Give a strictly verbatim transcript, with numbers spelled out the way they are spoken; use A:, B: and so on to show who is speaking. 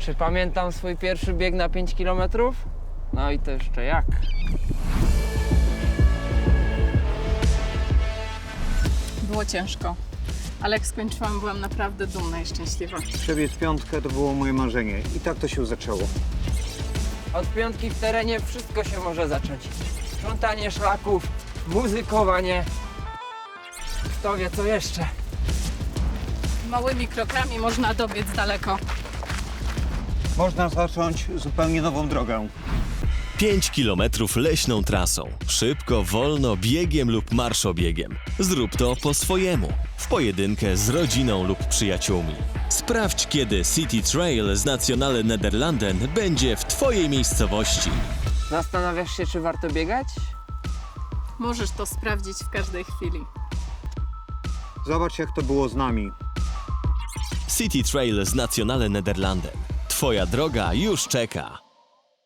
A: Czy pamiętam swój pierwszy bieg na pięć kilometrów? No i to jeszcze jak.
B: Było ciężko, ale jak skończyłam, byłam naprawdę dumna i szczęśliwa.
C: Przebiec piątkę to było moje marzenie i tak to się zaczęło.
A: Od piątki w terenie wszystko się może zacząć. Sprzątanie szlaków, muzykowanie. Kto wie co jeszcze.
B: Małymi krokami można dobiec daleko.
C: Można zacząć zupełnie nową drogę.
D: pięć kilometrów leśną trasą. Szybko, wolno, biegiem lub marszobiegiem. Zrób to po swojemu. W pojedynkę z rodziną lub przyjaciółmi. Sprawdź, kiedy City Trail z Nationale Nederlanden będzie w Twojej miejscowości.
A: Zastanawiasz się, czy warto biegać?
B: Możesz to sprawdzić w każdej chwili.
C: Zobacz, jak to było z nami.
D: City Trail z Nationale Nederlanden. Twoja droga już czeka.